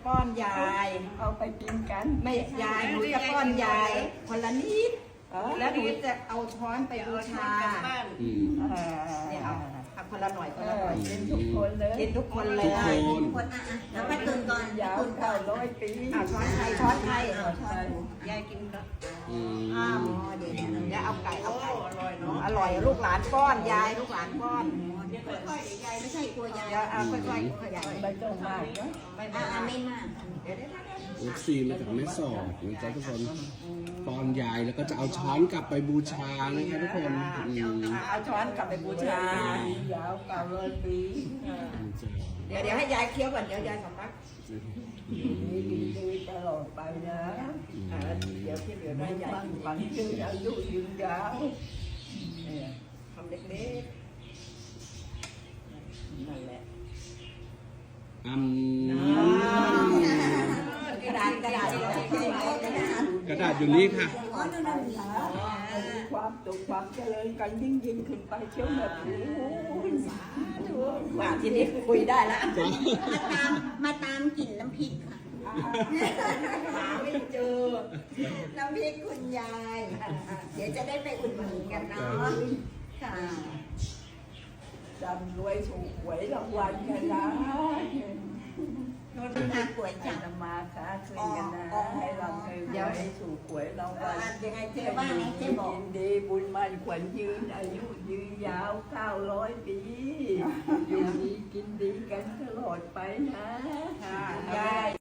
ป้อนยายเอาไปกินกันไม่ยายหนูจะป้อนยายคนละนิดแล้วหนูจะเอาช้อนไปบูชาเนี่ยเอาคนละหน่อยคนละหน่อยกินทุกคนเลยกินทุกคนเลยทุกคนแล้วไปตื่นก่อนยาว900 ปีช้อนไทยช้อนไทยยายกินก็เดี๋ยวเอาไก่เอาไก่อร่อยลูกหลานป้อนยายลูกหลานป้อนค่อยๆยายไม่ใช่กลัวยายเดี๋ยวค่อยๆขยายไม่ต้องมากนะไม่มากลูกซีมาจากแม่สอดนะจ๊ะทุกคนป้อนยายแล้วก็จะเอาช้อนกลับไปบูชานะคะทุกคนเอาช้อนกลับไปบูชายาว900 ปีเดี๋ยวให้ยายเคี้ยวก่อนเดี๋ยวยายสำลักมีกินดีตลอดไปนะเดี๋ยวที่เหลือได้ยายฝันยืนอายุยืนยาวทำเล็กๆนั่นแหละ กระดาษกระดาษอยู่นี่ค่ะอ๋อนั่นน่ะมีความสุขความเจริญกันยิ่งขึ้นไปเชียวแบบโอ้ยสาธุว่าทีนี้คุยได้แล้วมาตามกลิ่นน้ำพริกค่ะหาไม่เจอน้ำพริกคุณยาย เดี๋ยวจะได้ไปอุดหนุนกันเนาะค่ะจำรวยถูกหวยรางวัลกันนะน่ากลัวจังจะมาค้าคืนกันนะให้เราให้ถูกหวยรางวัลยังไงเจ๊ว่าไงเจ๊บอกยินดีบุญมันขวัญยืนอายุยืนยาว900 ปี อยู่ดีกินดีกันตลอดไปนะยาย